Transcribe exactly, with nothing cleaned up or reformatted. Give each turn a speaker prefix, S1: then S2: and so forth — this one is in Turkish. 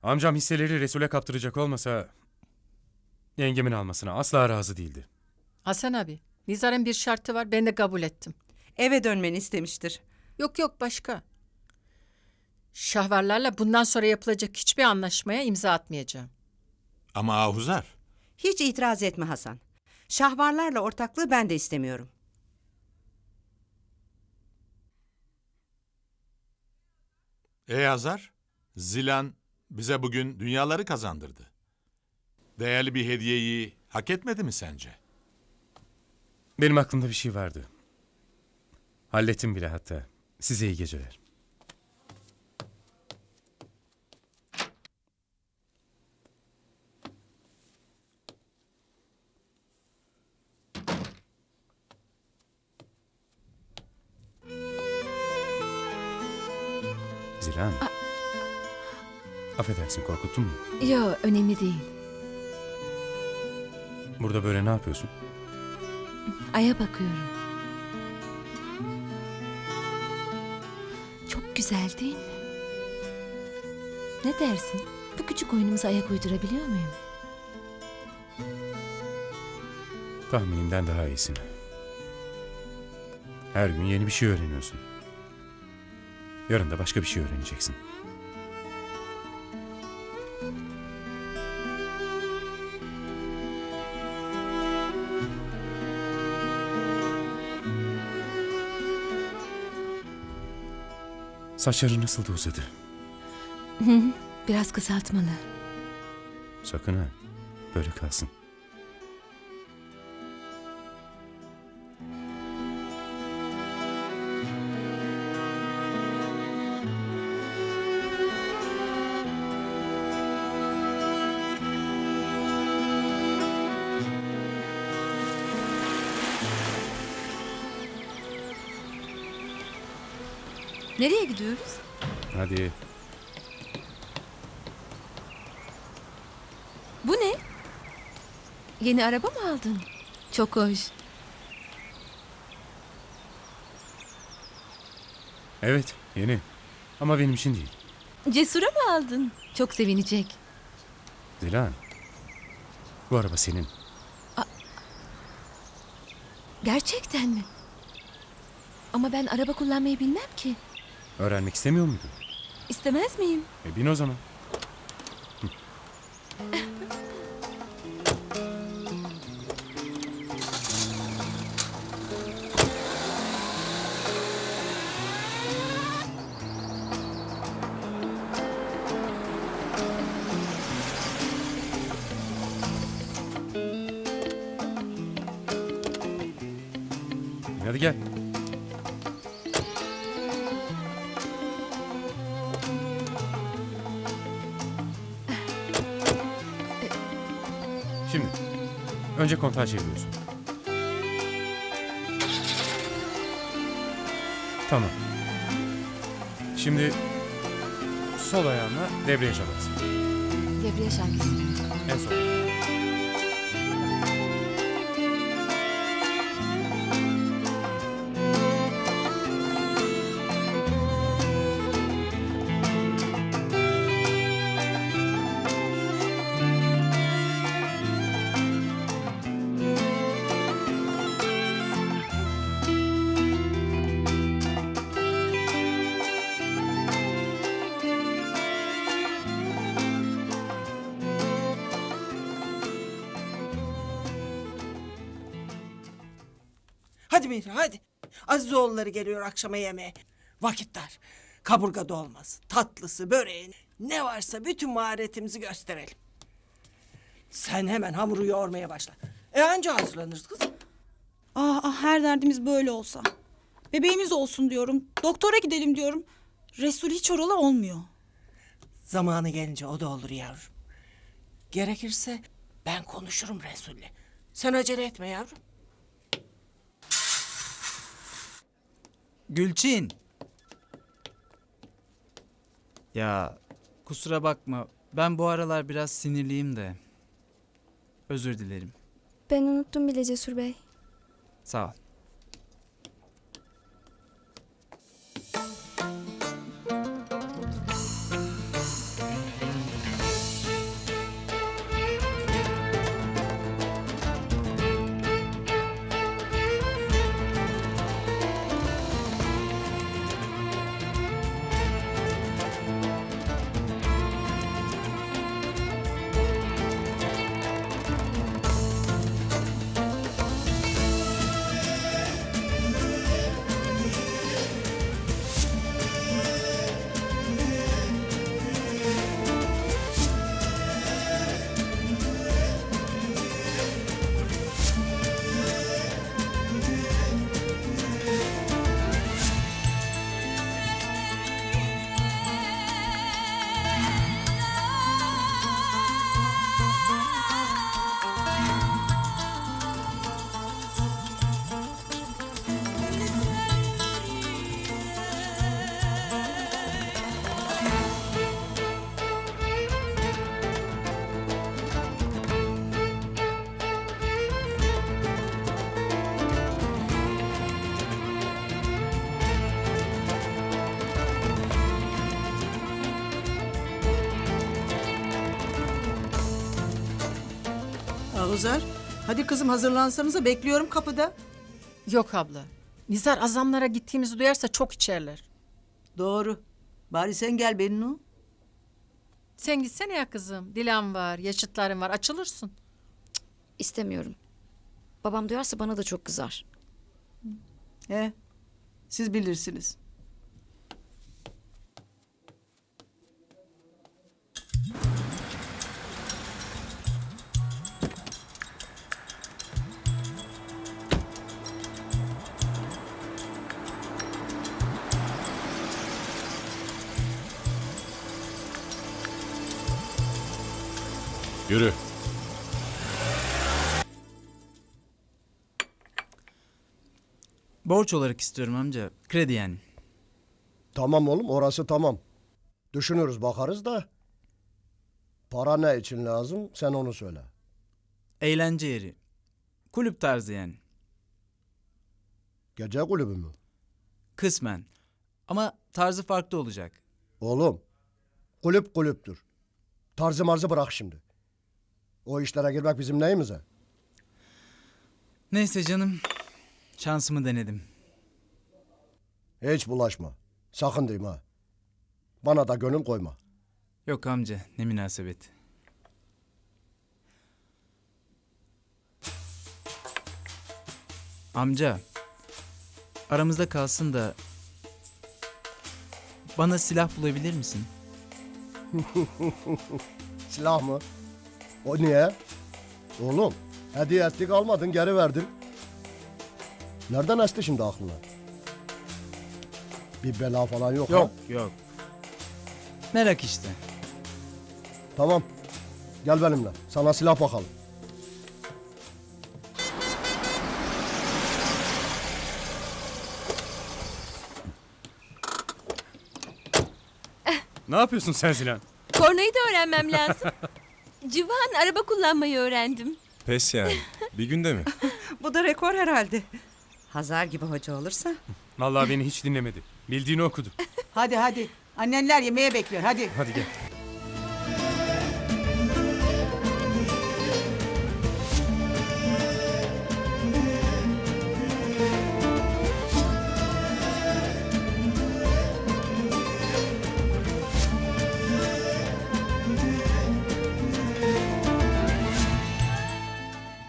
S1: Amcam hisseleri Resul'e kaptıracak olmasa yengemin almasına asla razı değildi.
S2: Hasan abi, Nizar'ın bir şartı var, ben de kabul ettim.
S3: Eve dönmeni istemiştir.
S2: Yok yok başka. Şahvarlarla bundan sonra yapılacak hiçbir anlaşmaya imza atmayacağım.
S4: Ama Ahuzar,
S3: Hiç itiraz etme Hasan. Şahvarlarla ortaklığı ben de istemiyorum.
S4: ey Azar, Zilan bize bugün dünyaları kazandırdı. Değerli bir hediyeyi hak etmedi mi sence?
S1: Benim aklımda bir şey vardı. Hallettim bile hatta. Size iyi geceler. Zilan. Affedersin, korkuttun mu?
S5: Yo, önemli değil.
S1: Burada böyle ne yapıyorsun?
S5: Ay'a bakıyorum. Çok güzel değil mi? Ne dersin? Bu küçük oyunumuza ayak uydurabiliyor muyum?
S1: Tahminimden daha iyisin. Her gün yeni bir şey öğreniyorsun. Yarın da başka bir şey öğreneceksin. Saçları nasıl da uzadı?
S5: Biraz kısaltmalı.
S1: Sakın ha, böyle kalsın.
S5: Nereye gidiyoruz?
S1: Hadi.
S5: Bu ne? Yeni araba mı aldın? Çok hoş.
S1: Evet, yeni. Ama benim için değil.
S5: Cesur'a mı aldın? Çok sevinecek.
S1: Zilan, bu araba senin.
S5: Gerçekten mi? Ama ben araba kullanmayı bilmem ki.
S1: Öğrenmek istemiyor muydun?
S5: İstemez miyim?
S1: E bin o zaman. Hadi gel. Şimdi, önce kontağı çeviriyorsun. Tamam. Şimdi sol ayağınla debriyaja bas.
S5: Debriyaj hangisi?
S1: En son.
S6: Hadi Mihri hadi. Azizoğulları geliyor akşama yemeğe. Vakit dar. Kaburga dolması, tatlısı, böreği ne varsa bütün maharetimizi gösterelim. Sen hemen hamuru yoğurmaya başla. E anca hazırlanırız kız.
S7: Ah, ah her derdimiz böyle olsa. Bebeğimiz olsun diyorum. Doktora gidelim diyorum. Resul hiç oralı olmuyor.
S6: Zamanı gelince o da olur yavrum. Gerekirse ben konuşurum Resul'le. Sen acele etme yavrum.
S8: Gülçin. Ya kusura bakma. Ben bu aralar biraz sinirliyim de. Özür dilerim.
S9: Ben unuttum bile Cesur Bey.
S8: Sağ ol.
S10: Şahuzar, hadi kızım hazırlansanıza, bekliyorum kapıda.
S2: Yok abla. Nizar azamlara gittiğimizi duyarsa çok içerler.
S10: Doğru. Bari sen gel Bennu.
S2: Sen gitsene ya kızım. Dilan var, yaşıtların var. Açılırsın.
S5: İstemiyorum. Babam duyarsa bana da çok kızar.
S10: He, siz bilirsiniz.
S1: Yürü.
S8: Borç olarak istiyorum amca. Kredi yani.
S11: Tamam oğlum, orası tamam. Düşünürüz, bakarız da. Para ne için lazım, sen onu söyle.
S8: Eğlence yeri. Kulüp tarzı yani.
S11: Gece kulübü mü?
S8: Kısmen. Ama tarzı farklı olacak.
S11: Oğlum, kulüp kulüptür. Tarzı marzı bırak şimdi. O işlere girmek bizim neyimize?
S8: Neyse canım. Şansımı denedim.
S11: Hiç bulaşma. Sakın diyeyim ha. Bana da gönül koyma.
S8: Yok amca, ne münasebet. Amca, aramızda kalsın da bana silah bulabilir misin?
S11: Silah mı? O niye? Oğlum, hediye ettik almadın, geri verdin. Nereden esti şimdi aklına? Bir bela falan yok,
S8: Yok,
S11: ha?
S8: yok. Merak işte.
S11: Tamam. Gel benimle. Sana silah bakalım.
S1: Ne yapıyorsun sen Zilan?
S5: Kornayı da öğrenmem lazım. Civan, araba kullanmayı öğrendim.
S12: Pes yani. Bir günde mi?
S3: Bu da rekor herhalde. Hazar gibi hoca olursa.
S1: Vallahi beni hiç dinlemedi. Bildiğini okudu.
S10: Hadi hadi. Annenler yemeğe bekliyor, hadi.
S1: Hadi gel.